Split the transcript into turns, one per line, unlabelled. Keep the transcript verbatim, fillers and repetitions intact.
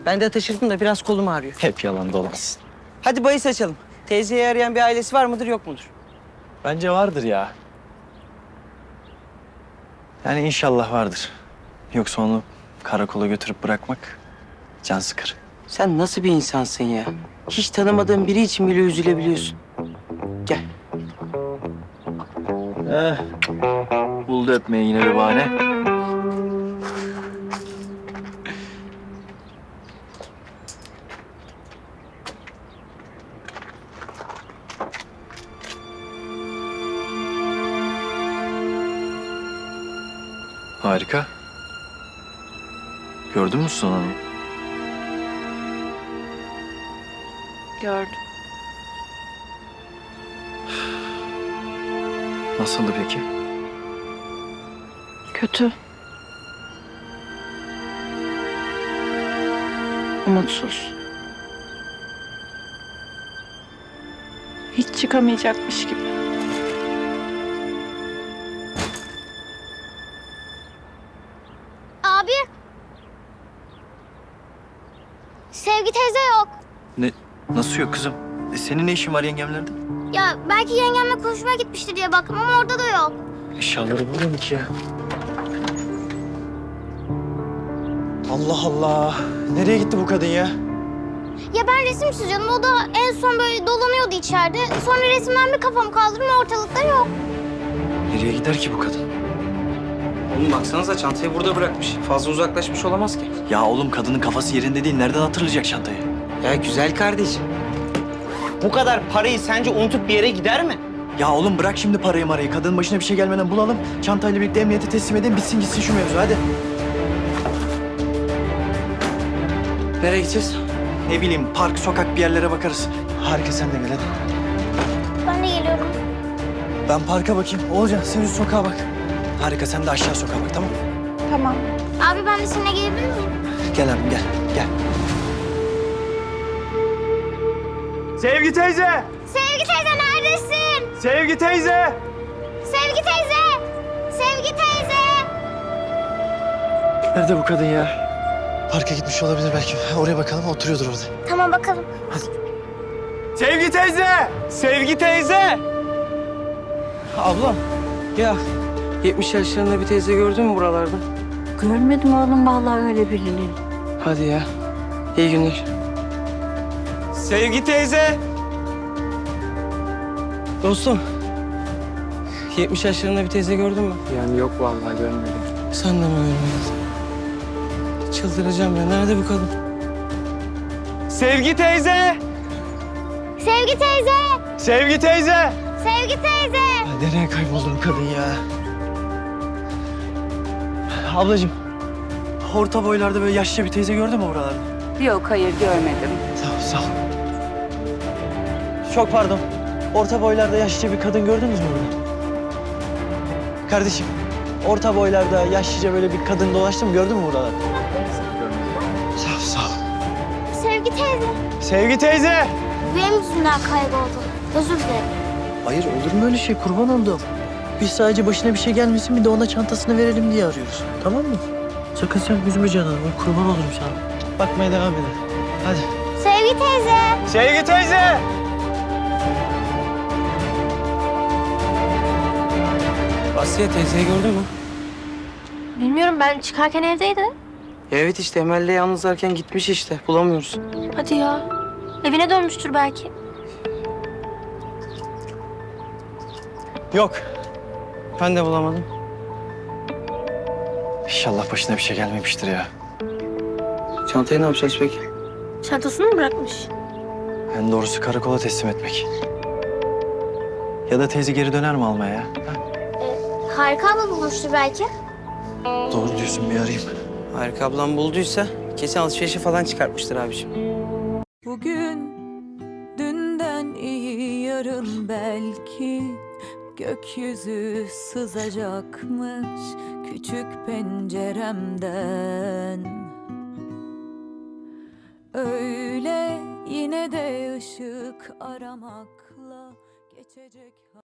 Ben de taşırdım da biraz kolum ağrıyor.
Hep yalan dolansın.
Hadi bahis açalım. Teyzeyi arayan bir ailesi var mıdır yok mudur?
Bence vardır ya. Yani inşallah vardır. Yoksa onu karakola götürüp bırakmak can sıkır.
Sen nasıl bir insansın ya? Hiç tanımadığın biri için bile üzülebiliyorsun. Gel.
Eh, buldu öpmeye yine bir bahane. Harika. Gördün mü Suzan Hanım?
Gördüm.
Nasıldı peki?
Kötü. Umutsuz. Hiç çıkamayacakmış gibi.
Abi. Sevgi teyze yok.
Ne? Nasıl yok kızım? E, senin ne işin var yengemlerde?
Ya belki yengemle konuşmaya gitmiştir diye baktım ama orada da yok.
Eşyaları burada mı ki ya? Allah Allah. Nereye gitti bu kadın ya?
Ya ben resim çiziyordum. O da en son böyle dolanıyordu içeride. Sonra resimden bir kafamı kaldırdım ortalıkta yok.
Nereye gider ki bu kadın?
Oğlum baksanıza çantayı burada bırakmış. Fazla uzaklaşmış olamaz ki.
Ya oğlum kadının kafası yerinde değil. Nereden hatırlayacak çantayı?
Ya güzel kardeşim. Bu kadar parayı sence unutup bir yere gider mi?
Ya oğlum bırak şimdi parayı marayı. Kadının başına bir şey gelmeden bulalım. Çantayla birlikte emniyete teslim edelim. Bitsin gitsin şu mevzu hadi.
Nereye gideceğiz?
Ne bileyim park, sokak bir yerlere bakarız. Harika sen de gel hadi.
Ben de geliyorum.
Ben parka bakayım. Oğulcan sen üst sokağa bak. Harika sen de aşağı sokağa bak tamam mı?
Tamam.
Abi ben de seninle gelebilir miyim?
Gel abim gel. Gel.
Sevgi teyze!
Sevgi teyze neredesin?
Sevgi teyze!
Sevgi teyze! Sevgi teyze!
Nerede bu kadın ya? Parka gitmiş olabilir belki. Oraya bakalım oturuyordur orada.
Tamam bakalım.
Sevgi teyze! Sevgi teyze!
Ablam. Ya yetmiş yaşlarında bir teyze gördün mü buralarda?
Görmedim oğlum vallahi öyle birini.
Hadi ya. İyi günler.
Sevgi teyze!
Dostum. yetmiş yaşlarında bir teyze gördün mü?
Yani yok vallahi görmedim.
Sen de mi görmedin? Çıldıracağım ya. Nerede bu kadın?
Sevgi teyze!
Sevgi teyze!
Sevgi teyze!
Sevgi teyze!
Ya nereye kayboldu bu kadın ya? Ablacığım. Orta boylarda böyle yaşlı bir teyze gördün mü buralarda?
Yok hayır görmedim.
Sağ ol, sağ ol. Çok pardon. Orta boylarda yaşlıca bir kadın gördünüz mü burada? Kardeşim, orta boylarda yaşlıca böyle bir kadın dolaştı mı gördün mü buralarda? Sağ ol, sağ ol.
Sevgi teyze!
Sevgi teyze!
Benim yüzümden kayboldu. Özür dilerim.
Hayır, olur mu öyle şey? Kurban oldum. Biz sadece başına bir şey gelmesin, bir de ona çantasını verelim diye arıyoruz. Tamam mı? Sakın sen üzme canını. Ben kurban olurum sana. Bakmaya devam edin. Hadi.
Sevgi teyze!
Sevgi teyze!
Asiye teyzeyi gördün mü?
Bilmiyorum ben çıkarken evdeydi.
Ya evet işte Emel'le yalnızlarken gitmiş işte. Bulamıyoruz.
Hadi ya. Evine dönmüştür belki.
Yok. Ben de bulamadım.
İnşallah başına bir şey gelmemiştir ya.
Çantayı ne yapacağız peki?
Çantasını mı bırakmış?
En doğrusu karakola teslim etmek. Ya da teyze geri döner mi almaya ya? Ha?
Harika abla bulmuştur belki.
Doğru diyorsun, bir arayayım.
Harika ablam bulduysa kesin alışverişe falan çıkartmıştır abiciğim.
Bugün dünden iyi yarın belki gökyüzü sızacakmış küçük penceremden. Öyle yine de ışık aramakla geçecek.